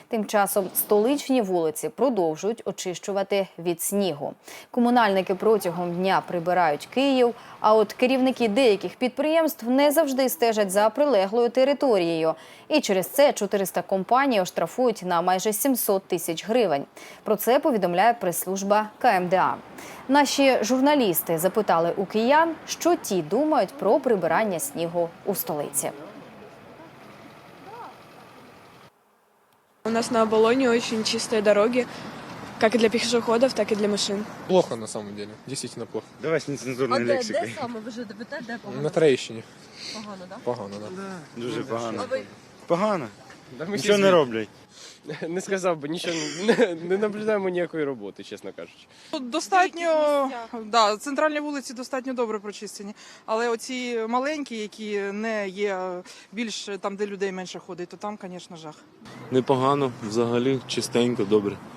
Тим часом столичні вулиці продовжують очищувати від снігу. Комунальники протягом дня прибирають Київ, а от керівники деяких підприємств не завжди стежать за прилеглою територією. І через це 400 компаній оштрафують на майже 700 тисяч гривень. Про це повідомляє прес-служба КМДА. Наші журналісти запитали у киян, що ті думають про прибирання снігу у столиці. У нас на Оболоне очень чистые дороги, как и для пешеходов, так и для машин. Плохо на самом деле, действительно плохо. Давай з нецензурною лексикою. Де саме ви живете, де погано? На Троєщині. Погано, так? Погано, да. Дуже погано. А ви? Погано. Да ми Нічого всі не роблять. Не сказав би, нічого не наблюдаємо ніякої роботи, чесно кажучи. Достатньо, да, центральні вулиці достатньо добре прочистені, але оці маленькі, які не є більш там, де людей менше ходить, то там, звісно, жах. Непогано, взагалі чистенько, добре.